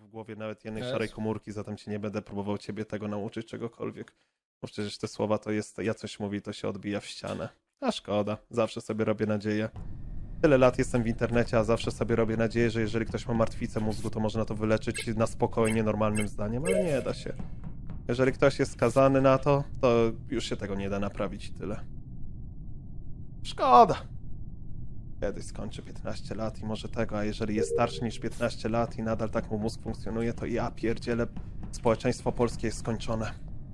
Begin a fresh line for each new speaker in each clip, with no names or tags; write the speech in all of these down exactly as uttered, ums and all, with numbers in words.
głowie nawet jednej
Też.
szarej komórki, zatem cię nie będę próbował ciebie tego nauczyć, czegokolwiek. Bo przecież te słowa to jest, ja coś mówi, to się odbija w ścianę. A szkoda, zawsze sobie robię nadzieję. Tyle lat jestem w internecie, a zawsze sobie robię nadzieję, że jeżeli ktoś ma martwicę mózgu, to można to wyleczyć na spokojnie, normalnym zdaniem, ale nie da się. Jeżeli ktoś jest skazany na to, to już się tego nie da naprawić i tyle. Szkoda. Kiedyś skończy piętnaście lat i może tego, a jeżeli jest starszy niż piętnaście lat i nadal tak mu mózg funkcjonuje, to ja pierdzielę, społeczeństwo polskie jest skończone.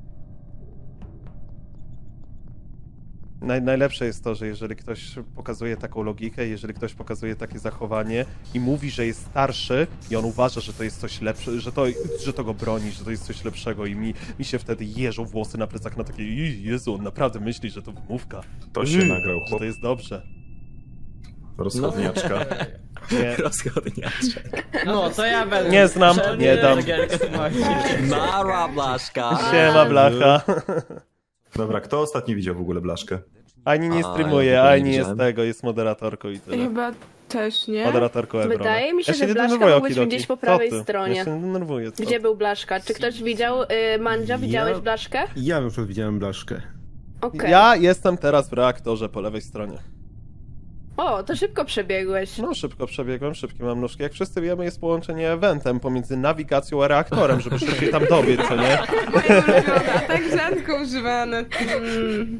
Naj, najlepsze jest to, że jeżeli ktoś pokazuje taką logikę, jeżeli ktoś pokazuje takie zachowanie i mówi, że jest starszy i on uważa, że to jest coś lepsze, że to, że to go broni, że to jest coś lepszego i mi, mi się wtedy jeżą włosy na plecach na takie Jezu, on naprawdę myśli, że to wymówka.
To się
Mm,
nagrał,
że
chłop.
to jest dobrze.
Rozchodniaczka.
Nie,
Rozchodniaczek.
No, to ja będę.
nie znam, nie dam.
Mara blaszka.
Siema, blacha.
Dobra, kto ostatnio widział w ogóle blaszkę?
Ani nie
A,
streamuje,
ja w ogóle
ani
nie
jest
widziałem.
tego, jest moderatorką i tyle.
Chyba też, nie?
Moderatorką Ebrona.
Wydaje mi się,
ja
że
nie
Blaszka
denerwuję,
mógł być
Okidoki.
gdzieś po
Co
prawej
ty?
stronie.
Ja się nie denerwuję, co?
Gdzie był Blaszka? Czy ktoś widział y, Mandzia? Widziałeś
Ja-
Blaszkę?
Ja na przykład widziałem blaszkę.
Okej.
Ja jestem teraz w reaktorze po lewej stronie.
O, to szybko przebiegłeś.
No, szybko przebiegłem, szybkie mam nóżki. Jak wszyscy wiemy, jest połączenie eventem pomiędzy nawigacją a reaktorem, żeby szybciej tam dobiec, co nie?
Moja ulubiona, tak rzadko używane. Mm.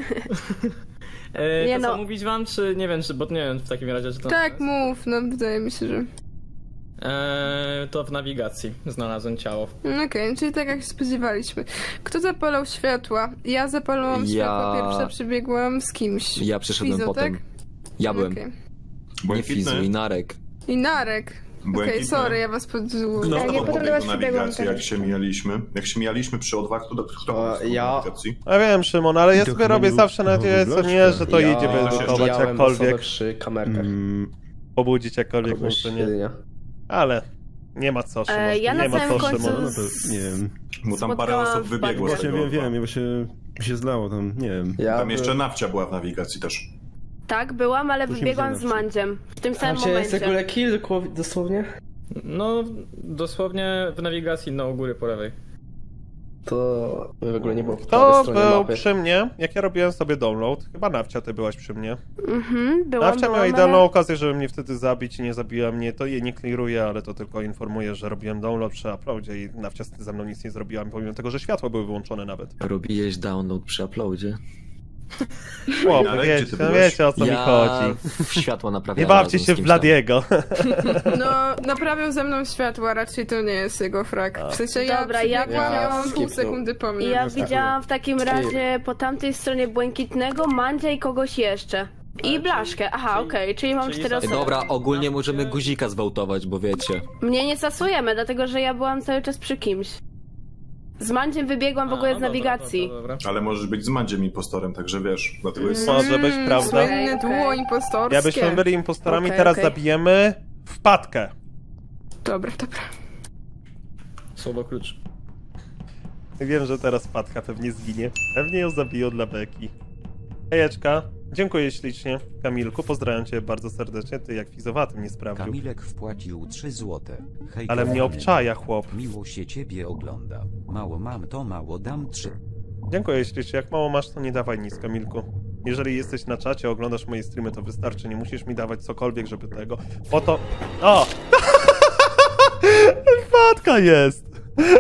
E,
Nie
to
no.
co mówić wam, czy nie wiem, czy, bo nie wiem w takim razie, czy to...
Tak, mów, no wydaje mi się, że...
E, to w nawigacji znalazłem ciało.
No Okej, czyli tak jak się spodziewaliśmy. Kto zapalał światła? Ja zapalałam
Ja-
światła, pierwsza przebiegłam z kimś.
Ja przyszedłem
Fizo,
potem.
tak?
Ja byłem.
Okej.
Nie Fizu i Narek.
I Narek. Okej,
Błękitny.
sorry, ja was pod...
No,
Ja
to
potem do
pobiegł
was
do
przybiegłam
nawigacji,
też.
jak się mijaliśmy. Jak się mijaliśmy przy odwach, to kto
A,
pobiegł do
ja-
nawigacji?
Ja wiem, Szymon, ale ja
To
sobie
chyba
robię
był-
zawsze
to
nadzieję,
był
co nie,
Blaszka.
że to
ja
idzie wyedukować
widziałem osobę
jakkolwiek,
przy kamerkach.
Mm,
pobudzić jakkolwiek mógł, to nie.
Bezpośrednio.
Ale nie ma co, Szymon,
E, ja na
nie ma
samym
co,
końcu
Szymon.
no to nie wiem.
Bo tam parę
Spotkałam
osób
w
wybiegło z
Właśnie
tego
wiem, wiem,
odwa.
ja właśnie mi się zlało tam, nie wiem.
Ja
Tam
by-
jeszcze Nawcia była w nawigacji też.
Tak, byłam, ale
To się
wybiegłam
widziałem
z
na
Mandziem. W tym
A
samym
gdzie jest w
momencie.
ogóle kill dosłownie?
No, dosłownie w nawigacji, no u góry po lewej.
To w ogóle nie było po
To
prawej stronie
był
mapy.
przy mnie, jak ja robiłem sobie download. Chyba Nawcia, ty byłaś przy mnie.
Mhm, byłam,
Nawcia miała
byłam,
idealną
ale...
okazję, żeby mnie wtedy zabić i nie zabiła mnie. To jej nie clearuje, ale to tylko informuje, że robiłem download przy uploadzie i Nawcia ze mną nic nie zrobiła, pomimo tego, że światła były wyłączone nawet.
Robiłeś download przy uploadzie.
Chłopie,
Ale
wiecie,
gdzie ty byłeś?
wiecie o co mi
ja
chodzi.
w światło
Nie
naprawiałem.
bawcie
razem z
się w
kimś tam.
Bladiego.
No, naprawiał ze mną światła, raczej to nie jest jego frak. W sensie ja
Dobra, ja
przebiegłam,
widziałam-
miałam pół
skipnął.
sekundy po mnie.
I ja
no.
widziałam w takim razie po tamtej stronie Błękitnego, Mandzia i kogoś jeszcze. I Blaszkę. Aha,
czyli-
okej, czyli mam
czyli
cztery
za-
osoby.
Dobra, ogólnie możemy guzika zwałtować, bo wiecie.
Mnie nie stosujemy, dlatego że ja byłam cały czas przy kimś. Z Mandziem wybiegłam w
A,
ogóle
no
z
dobra,
nawigacji.
dobra, dobra.
Ale możesz być z Mandziem impostorem, także wiesz, dlatego jest...
Może być,
Mm,
prawda?
Słynne
Okej,
dło
okej.
impostorskie.
Ja byśmy byli impostorami,
Okej,
teraz
okej.
zabijemy wpadkę.
Dobra, dobra.
Słowo klucz.
Wiem, że teraz wpadka pewnie zginie. Pewnie ją zabiją dla beki. Hejeczka. Dziękuję ślicznie. Kamilku, pozdrawiam cię bardzo serdecznie. Ty jak fizowatym nie sprawdził.
Kamilek wpłacił trzy złote. Hej,
Ale mnie
kochany.
obczaja, chłop.
Miło się ciebie ogląda. Mało mam, to mało dam trzy.
Dziękuję ślicznie. Jak mało masz, to nie dawaj nic, Kamilku. Jeżeli jesteś na czacie, oglądasz moje streamy, to wystarczy. Nie musisz mi dawać cokolwiek, żeby tego... Po to... O! Wpadka jest!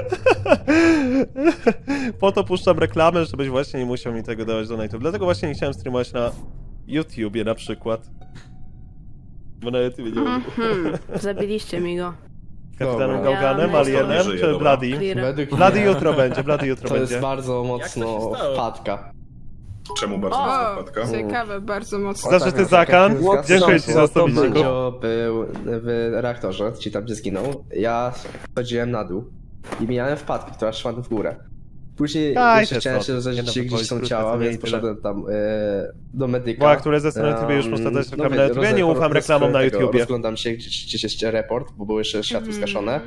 Po to puszczam reklamę, żebyś właśnie nie musiał mi tego dawać do YouTube. Dlatego właśnie nie chciałem streamować na YouTubie na przykład. Bo na YouTubie nie mogę.
Mhm, zabiliście mi go.
Kapitanem
Dobra.
Gauganem,
Ja
Alienem
myślę, że
czy
dobra.
Bloody?
Clear.
Według
Bloody
mnie
jutro będzie, Bloody jutro
to
będzie.
jest bardzo mocno
Jak to się stało?
wpadka.
Czemu bardzo
O!
mocna wpadka?
Ciekawe, bardzo mocno.
Za- Zażyty zakan? Dziękuję ci za stoliczku.
Mandzio był w reaktorze, czyli tam gdzie zginął. Ja chodziłem na dół i mijałem wpadkę, która szła w górę. Później
Daj
jeszcze
te
chciałem
co.
się
Nie
rozejrzeć,
no,
gdzie
wypowiedź
są
krótka,
ciała,
to nie
więc
i tyle.
poszedłem tam e, do medyka.
Bo które ze strony YouTube już
Em,
muszę dać
no
reklamę na
wie-
YouTube, nie
roz-
ufam
roz-
reklamom na
tego,
YouTubie.
Rozglądam się, gdzie, gdzieś jest report, bo było jeszcze światło
Mhm.
zgaszone.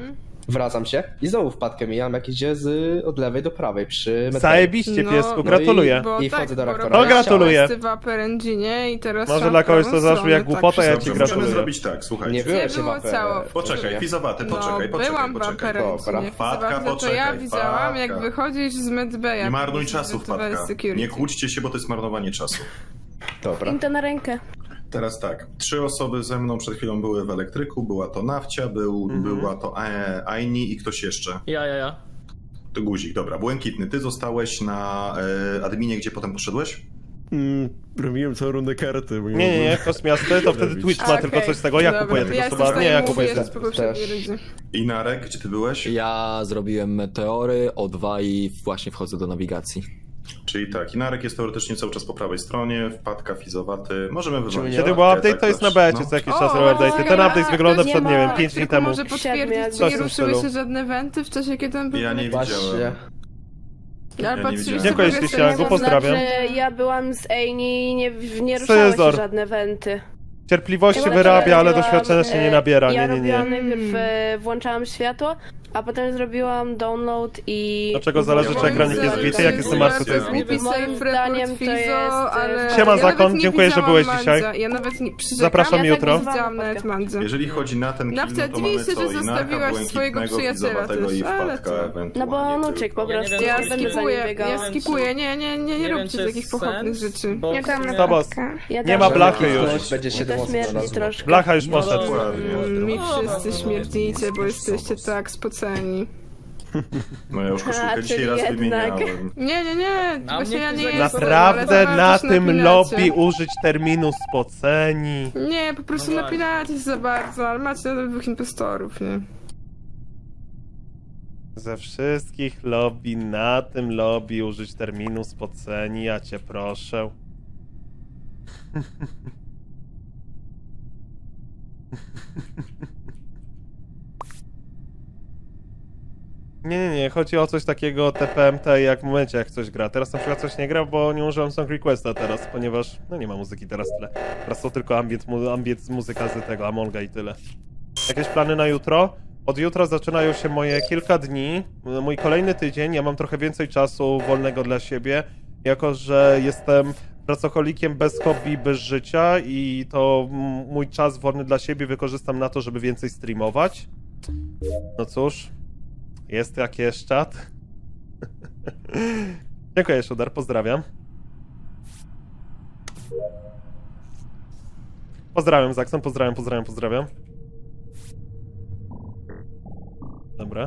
Wracam się i znowu wpadkę mijam, jak idzie z, od lewej do prawej przy metali.
Zajebiście,
No,
piesku,
no
gratuluję.
Bo
I
tak,
wchodzę do
bo
reaktora.
No,
robię
gratuluję.
questy w Upper Engine i teraz
Może
trzeba
dla
w
kogoś
prawą
to zabrzmi
stronę,
jak głupota, ja ci
Dobrze, możemy
gratuluję.
zrobić tak, słuchajcie.
Nie byłeś
było
w Upper-
cało.
Poczekaj, Fizowaty, poczekaj,
no,
poczekaj,
byłam w
poczekaj.
Upper
Dobra.
Engine.
Wpadka,
Fizywa- to ja
poczekaj,
widziałam, jak
wpadka.
wychodzisz z medbaya.
Nie marnuj
po
czasu,
prostu
Wpadka.
security.
Nie kłóćcie się, bo to jest marnowanie czasu.
Dobra.
Im to na rękę.
Teraz tak, trzy osoby ze mną przed chwilą były w elektryku, była to Nawcia, był,
Mhm.
była to e, Aini i ktoś jeszcze.
Ja, ja, ja.
To Guzik, dobra. Błękitny, ty zostałeś na e, adminie, gdzie potem poszedłeś?
Mm, robiłem całą rundę karty. bo
Nie, nie, nie, kosmiasty, to wtedy Twitch ma
Okej,
tylko coś z tego, ja
dobra,
kupuję
to
tylko
ja
suba,
jestem
nie, ja
w
kupuję
stanie
sobie.
mówić po poprzedniej
Też.
rundzie.
I Narek, gdzie ty byłeś?
Ja zrobiłem meteory, O dwa i właśnie wchodzę do nawigacji.
Czyli tak, Inarek jest teoretycznie cały czas po prawej stronie, wpadka, Fizowaty. Możemy wywalić.
Kiedy
wpadkę,
był update,
tak
to jest na
też,
becie
no.
co jakiś
O,
czas
o,
robił update. I ten
ja-
update wygląda
nie
przed, nie
ma-
wiem, pięć dni
Tylko
temu.
może potwierdzić,
Siedmiu,
czy nie
coś w tym
ruszyły
stylu.
się żadne wenty w czasie, kiedy on był
Ja nie
w
widziałem.
Właśnie.
Ale
Ja nie
patrzyliście
widziałem.
Dziękuję,
progresję,
Ścisiaku,
nie
pozdrawiam.
Znaczy, ja byłam z Amy i nie, nie ruszały
Cezar.
się żadne wenty.
Cierpliwości
Ja
wyrabia, ale
robiłam,
doświadczenia się nie
e,
nabiera,
Ja
nie, nie,
robiłam
nie.
najpierw, e, włączałam światło, a potem zrobiłem download i...
Dlaczego zależy,
czy ekranik jest bity? Jak jestem martwy, to jest
Głupi
Moim
safe
zdaniem
report
to
Fizo,
jest,
ale...
e,
Siema,
ja
Zakon,
nawet nie
dziękuję, że
widziałam
byłeś
Mandza.
dzisiaj.
Ja nawet nie przyrzekam,
Zapraszam
ja
jutro.
Tak nie widziałam nawet Mandza.
Jeżeli chodzi na ten kill,
Nawcia,
no to
dziwię
mamy
się,
co?
że
Inarka,
zostawiłaś swojego
Błękitnego,
przyjaciela
Fizowatego
też,
i
ale
wpadka
co?
ewentualnie
No bo on
tylko.
uciekł po
Ja nie
prostu,
wiem,
Ja
czy-
będę za nim
skipuję,
biegała.
ja skipuję, nie, nie, nie, nie
wiem,
róbcie
czy
takich
jest
pochopnych
sens,
rzeczy.
bo
Ja
w
tam
sumie-
To boss.
Ja
Nie
też.
ma blachy już.
Ktoś będzie
To
siedem osób
śmierdzi
na
troszkę.
Blacha już
No
poszedł.
Dokładnie.
Mm, Mi
No,
wszyscy
no, no.
śmierdzicie, bo jesteście tak spoceni.
No ja już
A,
koszulkę dzisiaj
czyli
raz
jednak.
wymieniałem.
Nie, nie, nie,
A
właśnie
mnie
ja nie
ktoś
jestem.
Naprawdę
ale
na
coś
tym
napinacie.
lobby użyć terminu spoceni.
Nie, po prostu
No właśnie.
napinacie się za bardzo, ale macie nadal dwóch impostorów, nie?
Ze wszystkich lobby na tym lobby użyć terminu spoceni, ja cię proszę. Nie, nie, nie, chodzi o coś takiego T P M T jak w momencie jak coś gra. Teraz na przykład coś nie gra, bo nie użyłem song requesta teraz, ponieważ no nie ma muzyki teraz tyle. Teraz to tylko ambient, mu, ambient muzyka z tego Amonga i tyle. Jakieś plany na jutro? Od jutra zaczynają się moje kilka dni, mój kolejny tydzień, ja mam trochę więcej czasu wolnego dla siebie, jako że jestem pracocholikiem bez hobby, bez życia i to m- mój czas wolny dla siebie wykorzystam na to, żeby więcej streamować. No cóż, jest jak jest czat. Dziękuję, Szudar, pozdrawiam. Pozdrawiam, Zakson, pozdrawiam, pozdrawiam, pozdrawiam. Dobra.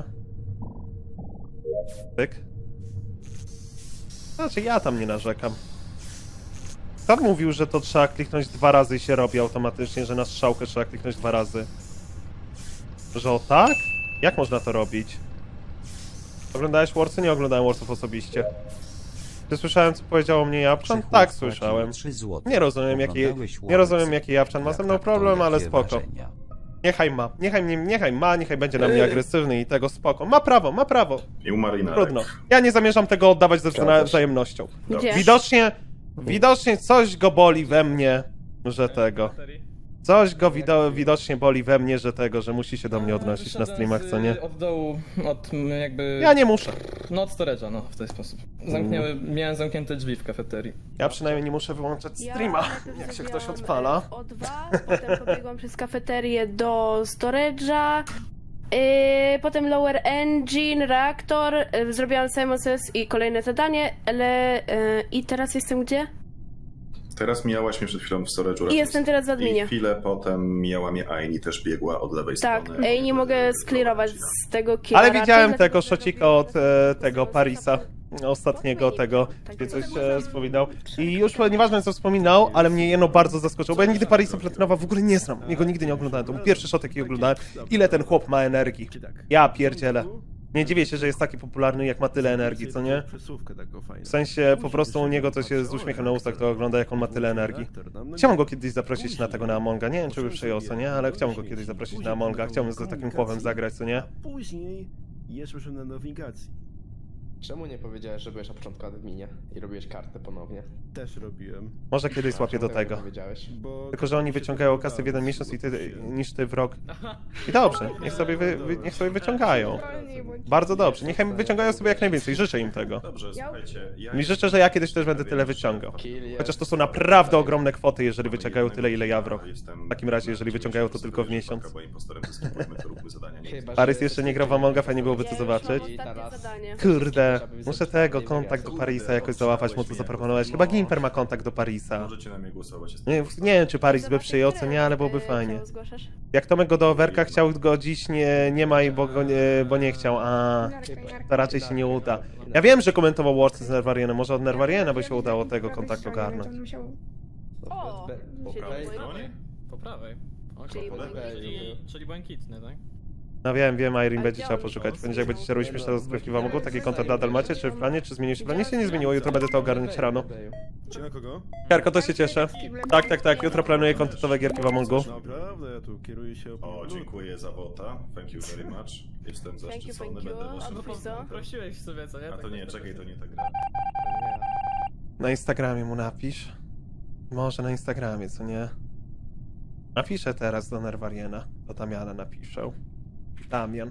Pyk. Znaczy, ja tam nie narzekam. Kto mówił, że to trzeba kliknąć dwa razy i się robi automatycznie, że na strzałkę trzeba kliknąć dwa razy? Że o tak? Jak można to robić? Oglądałeś Warsy? Nie oglądałem Warsów osobiście. Czy słyszałem, co powiedziało mnie Japczan?
Krzychu
Tak,
wpłacił
słyszałem.
trzy złote.
Nie rozumiem, jaki,
Oglądałeś
nie rozumiem,
Warsy?
jaki Japczan ma ze mną
Jak tak, to
problem, ale
jakie
spoko.
wrażenia?
Niechaj ma, niechaj, mnie, niechaj ma, niechaj będzie na mnie agresywny i tego spoko. Ma prawo, ma prawo.
I umarł Inarek.
Trudno. Ja nie zamierzam tego oddawać ze
Zgadza się.
wzajemnością.
Gdzie?
Widocznie, widocznie coś go boli we mnie, że tego. Coś go wido widocznie boli we mnie, że tego, że musi się do mnie odnosić na
Wyszedłem
streamach,
z-
co nie?
Od dołu, od m, jakby...
Ja nie muszę.
No od storage'a, no w ten sposób. Zamknęły, miałem zamknięte drzwi w kafeterii.
Ja przynajmniej nie muszę wyłączać streama,
najpierw
jak się
zrobiłam,
ktoś odpala.
e, O dwa, potem pobiegłam przez kafeterię do storage'a, yy, potem lower engine, reaktor, yy, zrobiłam Simon Says i kolejne zadanie, ale yy, i teraz jestem gdzie?
Teraz mijałaś mnie przed chwilą w storage'u.
I jestem teraz w
I
adminie.
chwilę potem mijała mnie Aini, też biegła od lewej
Tak,
strony.
ej, nie mogę sklirować z tego killa.
Ale
raczej,
widziałem
dlatego,
tego
że
szocika od
robiłam-
e, tego Parisa, ostatniego tego, gdzie coś e, wspominał. I już nieważne co wspominał, ale mnie jedno bardzo zaskoczyło, bo ja nigdy Parisa Platynowa w ogóle nie znam. Jego nigdy nie oglądałem, to był pierwszy shot jaki oglądałem. Ile ten chłop ma energii? Ja pierdzielę. Nie dziwię się, że jest taki popularny, jak ma tyle energii, co nie? W sensie po prostu u niego to się z uśmiechem na ustach to ogląda, jak on ma tyle energii. Chciałbym go kiedyś zaprosić na tego na Amonga, nie wiem czy by przyjął, co nie? Ale chciałbym go kiedyś zaprosić na Amonga, chciałbym z takim chłopem zagrać, co nie?
Później jeszcze na nawigacji.
Czemu nie powiedziałeś, że byłeś na początku adminie i robiłeś kartę ponownie?
Też robiłem.
Może kiedyś złapię do
Czemu tego
tego.
nie powiedziałeś?
Bo
Tylko, że oni wyciągają kasy w jeden miesiąc i ty, niż ty w rok. I dobrze, niech sobie, wy, wy, niech sobie wyciągają.
Wolniej bądź.
Bardzo dobrze, niech im wyciągają sobie jak najwięcej, życzę im tego.
Dobrze, słuchajcie. Ja
I życzę, że ja kiedyś też będę tyle wyciągał.
Kill jest-
Chociaż to są naprawdę ogromne kwoty, jeżeli wyciągają tyle, ile ja w rok.
Jestem-
W takim razie, jeżeli wyciągają to tylko w miesiąc.
Bo impostorem zeskipujmy, to róbmy zadania. Nie
Chyba, że
Paris jeszcze nie grał w Amonga, fajnie byłoby
Ja
to
już
zobaczyć.
mam ostatnie zadanie.
Kurde, muszę tego, kontakt do Parisa jakoś załapać, mu to zaproponować. Chyba Gimper ma kontakt do Parisa.
Możecie na mnie głosować. Jestem
Nie, nie wiem, czy Paris by przyjął, co nie, ale byłoby
Yy,
fajnie.
czemu zgłaszasz?
Jak Tomek go do overka chciał go dziś, nie, nie ma i bo, go nie, bo nie chciał, a to raczej się nie uda. Ja wiem, że komentował Warsy z Nerwarienem, może od Nerwariena by się udało tego kontaktu ogarnąć.
O!
Be-
Czyli
po
po
prawej
prawej.
stronie?
Po prawej. Okej,
Czyli
po lewej.
błękitny.
Czyli, czyli błękitny, tak?
No wiem, wiem, Irene
Ale
będzie
gdzie
trzeba
on
poszukać.
był?
Będzie jak będziecie robić śmieszne rozgrywki w Amogu, taki kontent nadal macie, czy w planie, czy zmienił się? Planie się nie zmieniło, jutro będę to ogarniać rano.
Czy na kogo?
Karko, to się cieszę. Tak, tak, tak, jutro planuję kontentowe gierki w Amongu.
Naprawdę, ja tu kieruję się
O, dziękuję za wota. Thank you very much. Jestem
Thank you,
zaszczycony,
thank you.
będę
A
waszym
no
prezydentem.
Prosiłeś sobie, co nie?
A to nie, czekaj, to nie ta gra.
Na Instagramie mu napisz. Może na Instagramie, co nie? Napiszę teraz do Nerwariena. Do Damiana napiszę. Damian.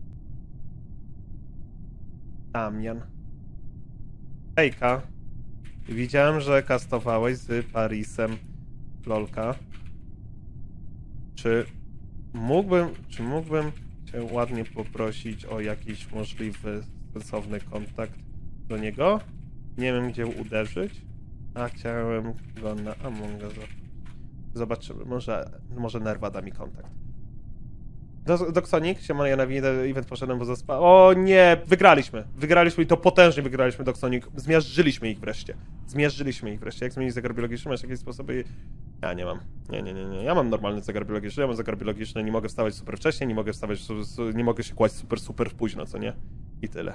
Damian. Hejka. Widziałem, że kastowałeś z Parisem Lolka. Czy mógłbym, czy mógłbym cię ładnie poprosić o jakiś możliwy, sensowny kontakt do niego? Nie wiem, gdzie uderzyć, a chciałem go na Amonga. Zobaczymy, może, może Nerwa da mi kontakt. Do- Doksonik, siemano, ja na event poszedłem, bo zaspa... O nie, wygraliśmy, wygraliśmy i to potężnie wygraliśmy, Doksonik. Zmiażdżyliśmy ich wreszcie, zmiażdżyliśmy ich wreszcie. Jak zmienić zegar biologiczny? Masz jakieś sposoby? Ja nie mam, nie, nie, nie, nie, ja mam normalny zegar biologiczny, ja mam zegar biologiczny, nie mogę wstawać super wcześnie, nie mogę wstawać, su- su- nie mogę się kłaść super, super późno, co nie? I tyle.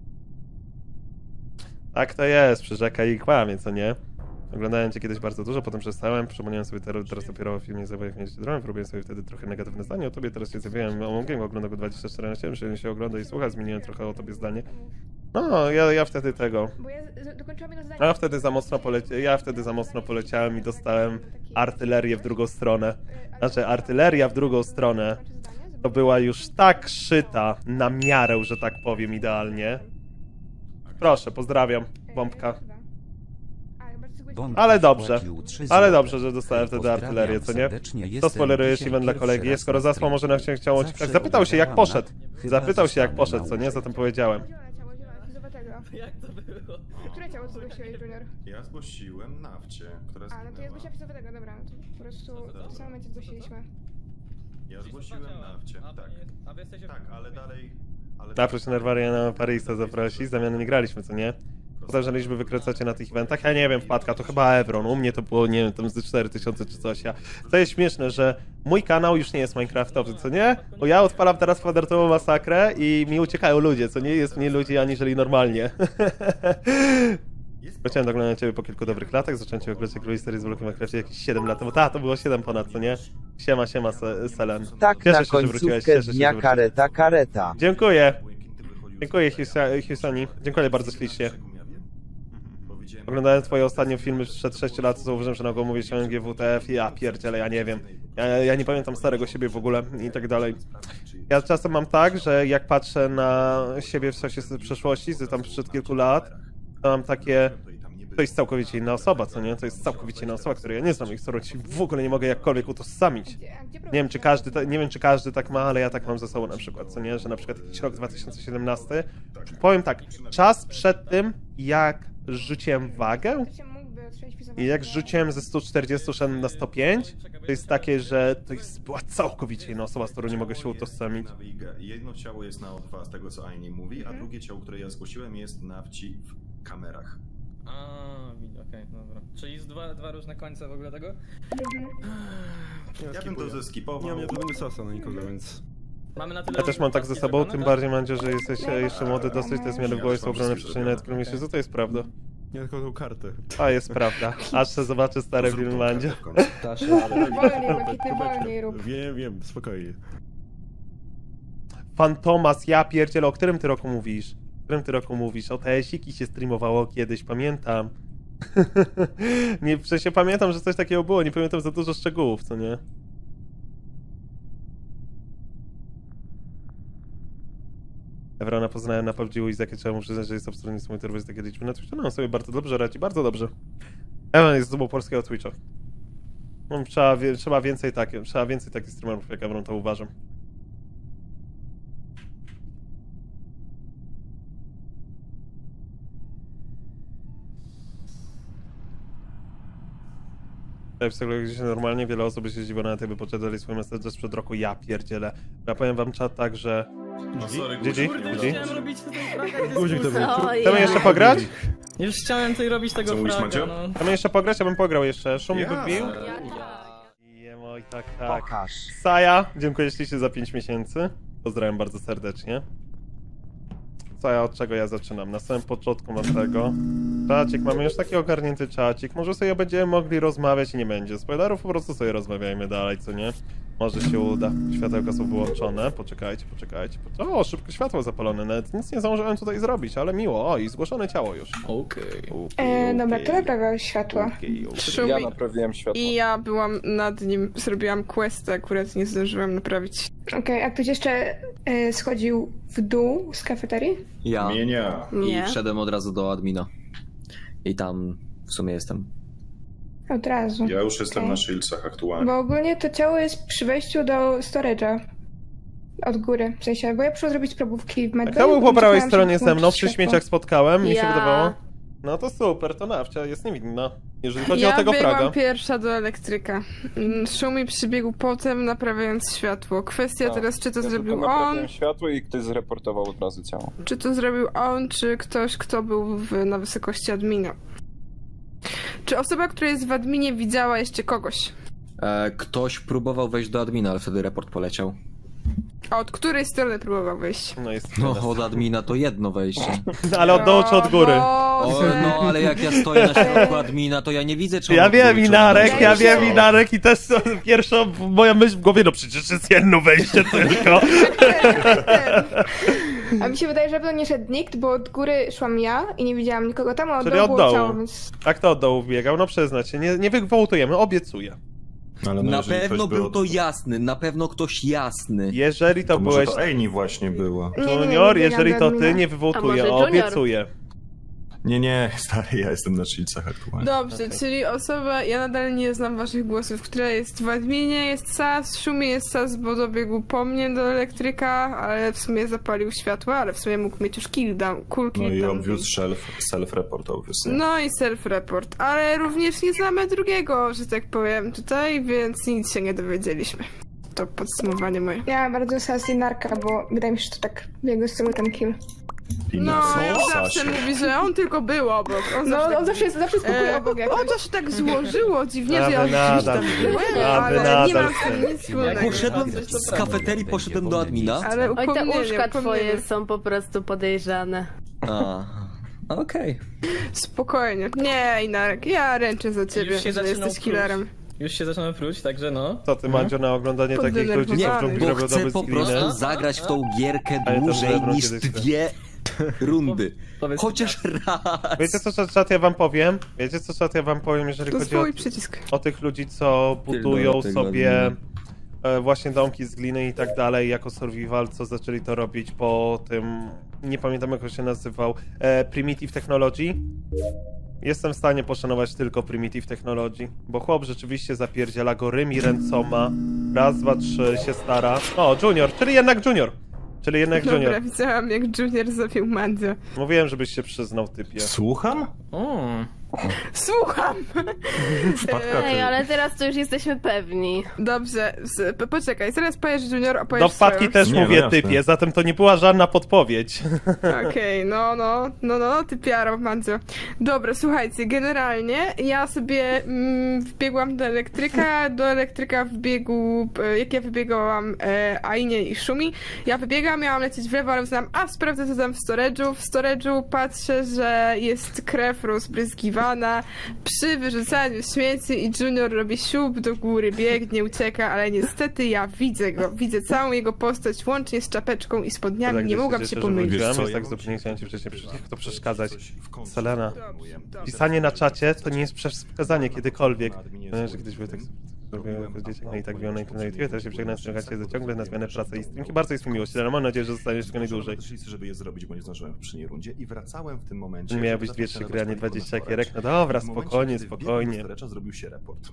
Tak to jest, przyrzeka i kłamie, co nie? Oglądałem cię kiedyś bardzo dużo, potem przestałem, przypomniałem sobie teraz, teraz dopiero o filmie Zabawek Mieć Dron, robiłem sobie wtedy trochę negatywne zdanie o tobie, teraz się zjawiłem o Mongiem, oglądam go dwadzieścia cztery na siedem, że się ogląda i słucha, zmieniłem trochę o tobie zdanie. No, ja, ja wtedy tego,
Bo ja z- dokończyłam jedno zadanie.
ja wtedy za mocno poleci... ja wtedy za mocno poleciałem i dostałem artylerię w drugą stronę. Znaczy, artyleria w drugą stronę to była już tak szyta na miarę, że tak powiem, idealnie. Proszę, pozdrawiam, bombka.
Bąk
Ale dobrze.
wpłacił trzy
Ale
złote.
dobrze, że dostałem wtedy
Pozdrawiam
artylerię, co nie?
serdecznie,
To
jestem
spoilerujesz
dzisiaj
event dla
pierwszy
kolegi,
raz
skoro
na
zasłał, może na
streamie.
chciał
Zawsze
zapytał się jak
oglądałam
poszedł.
na-
Zapytał się jak
zostanę
poszedł, co nie?
nauczony.
Zatem powiedziałem.
Zielone ciało, zielone, fizowatego.
Jak to było?
Które ciało zgłosiłeś, Junior?
Ja zgłosiłem nawcie, która
A, no to ja
zginęła.
zgłosiłam fizowatego, dobra, no to po prostu w tym samym momencie zgłosiliśmy.
Ja zgłosiłem nawcie,
A,
tak.
nie- A wy jesteście...
Tak, ale dalej... Ale
Naproś Nerwariana Parisa zaprosi, zamiany nie graliśmy, co nie? Potem, że liczby wykręcacie na tych eventach, ja nie wiem, wpadka, to chyba Evron, u mnie to było, nie wiem, tam z cztery tysiące czy coś, ja... To jest śmieszne, że mój kanał już nie jest minecraftowy, co nie? Bo ja odpalam teraz kwadratową masakrę i mi uciekają ludzie, co nie? Jest mniej ludzi aniżeli normalnie. Zacząłem oglądać ciebie po kilku dobrych latach, zacząłem cię oglądać jak serii z Blokiem Minecrafcie jakieś siedem lat temu, ta, to było siedem ponad, co nie? Siema, siema, Se- Selen.
Tak,
Cieszę
na
się, że wróciłeś,
końcówkę
cieszę się, że
dnia
wróciłeś.
kareta, kareta.
Dziękuję. Dziękuję, Husani. Dziękuję bardzo ślicznie. Oglądałem twoje ostatnie filmy sprzed sześciu lat, zauważyłem, że na go mówię się o G W T F i ja pierdzielę, ja nie wiem. Ja, ja nie pamiętam starego siebie w ogóle i tak dalej. Ja czasem mam tak, że jak patrzę na siebie w czasie z przeszłości, z tam sprzed kilku lat, to mam takie... To jest całkowicie inna osoba, co nie? To jest całkowicie inna osoba, której ja nie znam i z którą ci w ogóle nie mogę jakkolwiek utożsamić.
Gdzie, a gdzie
Nie wiem, czy każdy, ta, nie wiem, czy każdy tak ma, ale ja tak mam ze sobą na przykład, co nie? Że na przykład jakiś rok dwa tysiące siedemnasty, powiem tak, czas przed tym, jak rzuciłem wagę
Ktoś mógłby otrzymać fizowatego?
i jak rzuciłem ze stu czterdziestu szedłem na sto pięć, to jest takie, że to jest, była całkowicie inna osoba, z którą nie mogę się utożsamić.
Jedno ciało jest na O dwa z tego, co Aini mówi, a drugie ciało, które ja zgłosiłem, jest na wci w kamerach.
A, widzę, okej, dobra. Czyli jest dwa, dwa różne końce w ogóle tego?
Ja bym to zeskipował.
Nie mam żadnego sasa na nikogo, więc...
Mamy na tyle...
Ja też mam tak ze sobą,
zrobione,
tym
tak?
bardziej, Mandzio, że jesteś jeszcze młody dosyć, te zmiany w głowie są ogromne przestrzenie na którym miesiącu, to jest prawda.
Nie tylko tą kartę.
A jest prawda. Aż se zobaczę stare
Zrób tą
filmy,
kartę
Mandzio.
w końcu.
Dasz radę.
Wolniej, Blakitny, wolniej rób.
Wiem, wiem, spokojnie.
Fantomas, ja pierdzielę, o którym ty roku mówisz? W którym ty roku mówisz? O te siki się streamowało kiedyś, pamiętam. Nie, w sensie pamiętam, że coś takiego było, nie pamiętam za dużo szczegółów, co nie? Evrona poznałem na P U B G i zakie trzeba mu przyznać, że jest absolutnie niesamowity z takie liczby na Twitchu. No on sobie bardzo dobrze radzi, bardzo dobrze. Evron jest zubą polskiego Twitcha. No, trzeba, wie, trzeba więcej takie, trzeba więcej takich streamerów jak Evron, to uważam. W psychologii się normalnie wiele osób się zdziwiło na tej, by podczerpali swój message sprzed roku. Ja pierdzielę. Ja powiem wam czat tak, że...
No sorry,
G G?
Guzik.
G G?
Chciałem robić tutaj fraga,
Guzik to był.
Chcemy jeszcze pograć?
Już chciałem tutaj robić tego
Co mówisz,
fraga,
Macio?
no.
Chcemy jeszcze pograć? Ja bym pograł jeszcze. Szumi
Jasne.
wybił? Jemo i tak, tak. Saja, dziękuję ślicznie za pięć miesięcy. Pozdrawiam bardzo serdecznie. Saja, od czego ja zaczynam? Na samym początku mam tego. Czacik, mamy już taki ogarnięty czacik. Może sobie będziemy mogli rozmawiać i nie będzie spoilerów, po prostu sobie rozmawiajmy dalej, co nie? Może się uda. Światełka są wyłączone. Poczekajcie, poczekajcie. poczekajcie. O, szybko światło zapalone. Nawet nic nie zdążyłem tutaj zrobić, ale miło. O, i zgłoszone ciało już.
Okej.
Okej,
E, dobra,
okej.
to naprawiał światła.
Okej, okej.
Szumi.
Ja naprawiłem światło.
I ja byłam nad nim, zrobiłam questa, akurat nie zdążyłam naprawić. Okej, a ktoś jeszcze e, schodził w dół z kafeterii?
Ja.
Mienia.
I
Nie.
wszedłem od razu do admina. I tam w sumie jestem.
Od razu.
Ja już jestem
Okej.
na Shieldsach aktualnie.
Bo ogólnie to ciało jest przy wejściu do storage'a. Od góry, w sensie, bo ja przyszłam zrobić probówki w medbayu.
Kto był po
potem
prawej
czekałam,
stronie
żeby
ze mną?
włączyć
Przy
światło.
śmieciach spotkałem, mi się
Ja.
wydawało. No to super, to nawcia jest niewinna. Jeżeli chodzi
ja
o tego
biegłam
fraga.
pierwsza do elektryka. Mm, Szumi przybiegł potem, naprawiając światło. Kwestia
Tak.
teraz, czy to
Ja
zrobił
tylko
on,
naprawiłem światło i ktoś zreportował od razu ciało.
czy to zrobił on, czy ktoś, kto był w, na wysokości admina. Czy osoba, która jest w adminie, widziała jeszcze kogoś?
E, ktoś próbował wejść do admina, ale wtedy report poleciał.
A od której strony próbował wyjść?
No jest
No, od admina to jedno wejście.
Ale od dołu czy od góry?
O,
Boże.
no, ale jak ja stoję na środku admina, to ja nie widzę, czy on
Ja
od
wiem,
góry, czy od
Inarek,
dołu.
ja wiem, Inarek i też pierwsza moja myśl w głowie, no przecież jest jedno wejście tylko.
A mi się wydaje, że pewno nie szedł nikt, bo od góry szłam ja i nie widziałam nikogo tam, a od
Czyli
dołu
od
było
dołu.
ciało, więc...
A kto od dołu biegał? No przyznać się, nie, nie wywołtujemy, obiecuję.
Ale no,
Na
jeżeli
pewno
ktoś
był
od-
to jasny, na pewno ktoś jasny.
Jeżeli to,
To może
byłeś
to Ejni właśnie była.
Nie, nie, nie,
Junior,
nie
jeżeli
biegam
to
do
ty,
admina.
nie
A
wywołuję,
może Junior?
obiecuję.
Nie, nie, stary, ja jestem na Shieldsach aktualnie.
Dobrze,
Okej.
czyli osoba, ja nadal nie znam waszych głosów, która jest w adminie, jest Sas, Szumi jest Sas, bo dobiegł po mnie do elektryka, ale w sumie zapalił światła, ale w sumie mógł mieć już kill down, cool kill
No i
down.
obvious self, self-report obviously.
No i self-report, ale również nie znamy drugiego, że tak powiem, tutaj, więc nic się nie dowiedzieliśmy. To podsumowanie moje. Ja bardzo Sas i Narka, bo wydaje mi się, że to tak w jego stylu ten kill.
I
No,
co?
on zawsze
Sasie.
mówi, że on tylko był obok. On no, zawsze on zawsze, jest, zawsze skakuje obok jakoś. O, to się tak złożyło dziwnie,
A
że ja
wy
już
nadal
tam
z tym.
byłem,
A wy
ale nie
nadal
mam
z
z tym
tym.
nic wspólnego.
Poszedłem z kafeterii, poszedłem do admina.
Ale
Oj, te
upomnienie,
uszka twoje
upomnienie.
są po prostu podejrzane.
A, okej.
Spokojnie. Nie, Inarek, ja ręczę za ciebie,
Już się
że
zaczynał
jesteś killerem.
Już się zaczyna pruć, także no.
Co ty, Mandzio, na oglądanie takich ludzi, co w
Poddenerwowany.
dżungli
Bo
robią
chcę
double
po
screeny?
prostu zagrać w tą gierkę
Ale to
dłużej
Lebron
niż
kiedyś chce.
dwie rundy.
Powiedz
Chociaż raz.
Wiecie co, czat, czat, ja wam powiem? Wiecie co, czat, ja wam powiem, jeżeli
To
chodzi o,
swój przycisk.
o tych ludzi, co budują
Pierdolę tego
sobie
admina.
e, właśnie domki z gliny i tak dalej, jako survival, co zaczęli to robić po tym, nie pamiętam jak on się nazywał, e, Primitive Technology. Jestem w stanie poszanować tylko Primitive Technology, bo chłop rzeczywiście zapierdziela go rymi ręcoma, raz, dwa, trzy, się stara. O, Junior, czyli jednak Junior. Czyli jednak
Dobra,
Junior.
widziałam jak Junior zabił Mandzia.
Mówiłem, żebyś się przyznał, typie.
Słucham?
O,
Słucham!
Wpadka
Ej,
ty.
ale teraz to już jesteśmy pewni.
Dobrze, z, po- poczekaj, zaraz powiesz Junior, opowiesz
Do wpadki
swoją.
też
Nie, no
mówię
jasne.
typie, zatem to nie była żadna podpowiedź.
Okej, no, no, no, no, ty piaro, Mandzio. Dobra, słuchajcie, generalnie ja sobie mm, wbiegłam do elektryka, do elektryka wbiegł, e, jak ja wybiegałam e, Ainie i Szumi, ja wybiegam, miałam lecieć w lewo, ale uznałam, a sprawdzę co tam w storage'u, w storage'u patrzę, że jest krew rozbryzgiwana, zatrzymana przy wyrzucaniu śmieci i Junior robi siup do góry, biegnie, ucieka, ale niestety ja widzę go, widzę całą jego postać, łącznie z czapeczką i spodniami,
Tak,
nie
gdzieś
mogłam
cieszę,
się
że
pomylić.
wróciłem,
Wiesz co,
jest
ja
tak
mam
zupełnie
ci-
chciałem ci wcześniej powiedzieć, jak to przeszkadzać.
Coś w końcu
Selena,
zajmuję.
pisanie na czacie to nie jest przeszkadzanie kiedykolwiek.
Adminie
No, że
swoim
kiedyś były tak
robiłem
zrobiłem jako dzieciak, no i tak
upload
było na
mojego
na YouTube, teraz się przegnę, ściągać się ciągle na zmianę pracy i streamki. Bardzo jest mi miło, ale mam nadzieję, że zostaniesz jak najdłużej.
Też listy, żeby je zrobić, bo nie zdążyłem w poprzedniej rundzie i wracałem w tym momencie.
Miały
żeby
być dwie,
zacząć
trzy
nadawać
gry, a nie
paliwo na
dwadzieścia
storage.
gierek. No dobra,
W momencie,
spokojnie,
kiedy
spokojnie.
wbiegłem do storage'a, zrobił się report.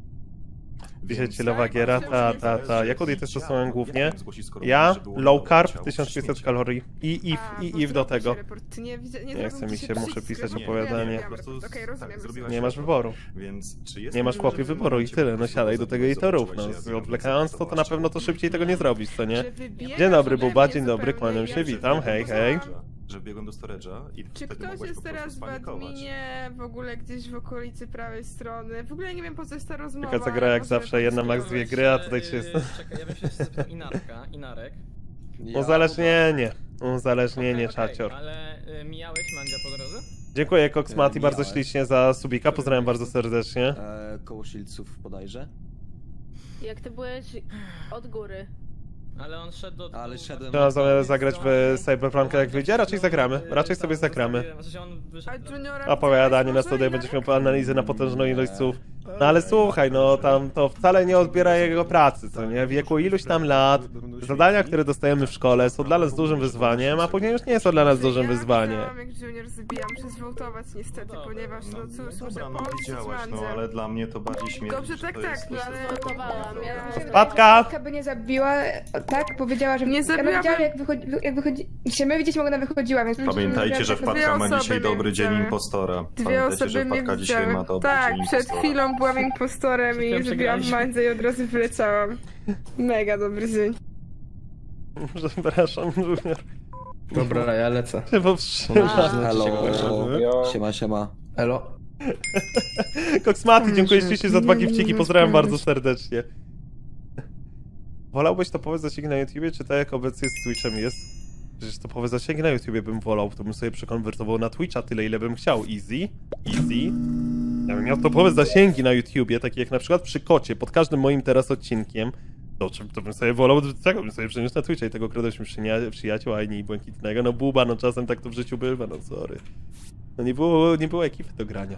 Chwilowa giera, ta, ta, ta. Jaką dietę stosowałem głównie?
Jak mam zgłosić, skoro
Ja,
mówisz, że było
low
na
carb,
ciało
tysiąc pięćset
śmieci?
kalorii i if,
A,
i
bo
if do
zrobił
tego.
się report. Nie, widzę- nie,
Nie
zrobił
chce mi
ci
się, muszę
przycisk
pisać
reportu.
opowiadanie.
Ja
Po
wiem,
prostu
Okej,
tak,
rozumiem.
zrobiłaś
Nie masz
report.
wyboru.
Więc czy jest
Nie masz
możliwe,
chłopie
że w tym
wyboru i
momencie
tyle.
po
No
prostu
siadaj do tego i to
zobaczyłaś,
rób. No,
że ja
z-
biegłem
odwlekając to, to na
zastosować
pewno to
ciało.
szybciej tego nie zrobisz, co nie?
Że wybiegasz
Dzień dobry,
ode
Buba,
mnie
dzień dobry,
zupełnie
kłaniam się,
jak-
witam, hej, hej.
Że biegłem do storage'a i
Czy
wtedy
ktoś
mogłeś
jest
po prostu
teraz w
spanikować.
adminie, w ogóle gdzieś w okolicy prawej strony? W ogóle nie wiem po co jest ta rozmowa.
Taka zagra jak
ale
zawsze,
możemy
jedna max
podyskutować.
dwie gry, a tutaj się
Yy,
jest...
Czekaj, ja bym się zapytał Inarka, Inarek.
Uzależnienie, uzależnienie,
Okej, okej,
czacior.
Ale y, mijałeś Mandzia po drodze?
Dziękuję Cox Mati bardzo
Mijałem.
ślicznie za subika, pozdrawiam bardzo serdecznie.
E, koło Shieldsów bodajże.
Jak ty byłeś od góry.
Ale on szedł do...
Ale szedłem-
Trzeba za- zagrać w Cyberpunka jak wyjdzie? Raczej zagramy, raczej sobie zagramy.
A Juniora
Opowiadanie na
widziałeś
studia,
może?
będziesz miał analizę na potężną ilość słów. No ale słuchaj, no tam to wcale nie odbiera jego pracy, co nie? W wieku iluś tam lat, zadania, które dostajemy w szkole są dla nas dużym wyzwaniem, a później już nie są dla nas dużym
Ja
wyzwaniem.
widziałam, jak Junior zabija, muszę zwoltować niestety, ponieważ no cóż, muszę
Dobra, no
pomóc
widziałaś, no
Mandziem.
ale dla mnie to bardziej śmierdzi.
Dobrze,
że
tak,
to
tak,
jest
no
coś,
ale-
co-
Zwoltowałam, ja-
Mi się wydaje,
Patka!
Patka by nie zabiła, tak? Powiedziała, że
Nie
ja
zabiłabym-
widziałam jak wychodzi, jak wychodzi, się my widzieliśmy, jak ona wychodziła, więc...
Pamiętajcie, że
Dwie
wpadka ma
osoby
dzisiaj
mnie
dobry dzień
widziały.
impostora.
Dwie
Pamiętajcie,
osoby
że
mnie
wpadka dzisiaj
widziały.
ma dobry
Tak,
dzień
przed
impostora.
chwilą byłam impostorem
Przed
i
chwilą
zrobiłam
przegraliśmy.
Mandzę i od razu wyleciałam. Mega dobry dzień.
Przepraszam, Junior.
Dobra, ja lecę.
Się powstrzymam.
Halo.
Ja-
Siema, siema.
Elo.
Cox Mati, dziękuję ślicznie za dwa gifciki, pozdrawiam bardzo serdecznie. Wolałbyś topowe zasięgi na YouTubie, czy tak jak obecnie z Twitchem jest? Przecież topowe zasięgi na YouTubie bym wolał, to bym sobie przekonwertował na Twitcha tyle, ile bym chciał. Easy, easy. Ja bym miał topowe zasięgi na YouTubie, takie jak na przykład przy Kocie, pod każdym moim teraz odcinkiem. To, czym- to bym sobie wolał, tego bym sobie przeniósł na Twitcha i tego kradłeś przynia- przyjaciół, a nie błękitnego. No Buba, no czasem tak to w życiu bywa, no sorry. No nie było, nie było ekipy do grania.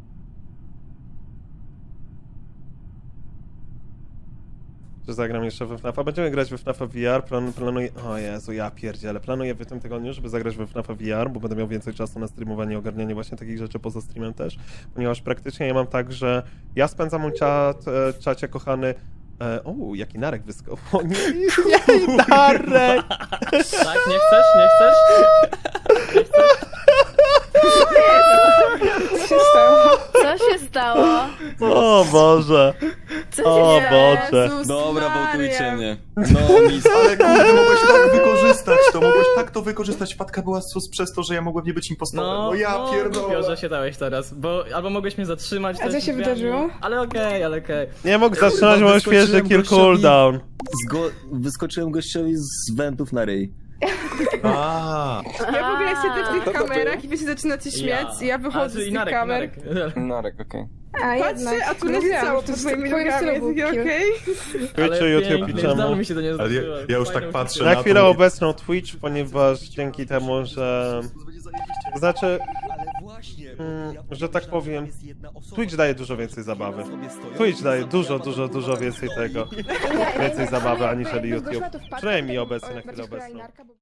Że zagram jeszcze we FNAFa. Będziemy grać we FNAFa V R. Plan, planuję... O Jezu, ja pierdzielę. Planuję w tym tygodniu, żeby zagrać we FNAFa V R, bo będę miał więcej czasu na streamowanie i ogarnianie właśnie takich rzeczy poza streamem też. Ponieważ praktycznie ja mam tak, że ja spędzam mój czat, e, czacie kochany... E, o, jaki Narek wyskał. O nie, nie, Narek!
Tak, nie chcesz, nie chcesz? Nie chcesz?
Co się stało?
Co się stało?
O Boże.
Co
O
się
Boże.
Jezus
Dobra,
Maria.
wołtujcie mnie. No, mis.
Ale kurde, mogłeś tak wykorzystać to, mogłeś tak to wykorzystać. Wpadka była sus przez to, że ja mogłem nie być impostorem. No, ja
no,
pierdolę.
głupio, że się dałeś teraz, bo albo mogłeś mnie zatrzymać...
A co
też
się
drzwiami.
wydarzyło?
Ale okej, ale okej.
Nie mógł zatrzymać, bo
Kurwa,
świeży
wyskoczyłem
kill
gościowi.
cooldown.
Zgo- wyskoczyłem gościowi z wentów na ryj.
A,
Ja w ogóle siedzę w tych
to
kamerach i wy się zaczynacie śmiać i ja wychodzę z tych
Narek,
kamer.
Narek.
Narek, okej.
A jednak.
Patrzę, a tu leci
Mówiłam,
cało
że
pod
to
twoimi
w twoim
nogami,
stylu
jest
był kill.
okej?
Twitchu, YouTube i
pięknie,
czemu?
zdało mi się to nie
Ale ja-
zdarzyło.
ja już tak
Fajną
patrzę
historię.
Na chwilę obecną Twitch, ponieważ dzięki temu, że... To znaczy,
Ale właśnie,
Mm, że tak powiem, Twitch daje dużo więcej zabawy. Twitch daje dużo, dużo, dużo więcej tego. Więcej zabawy aniżeli YouTube. Przynajmniej obecnie, na chwilę obecną.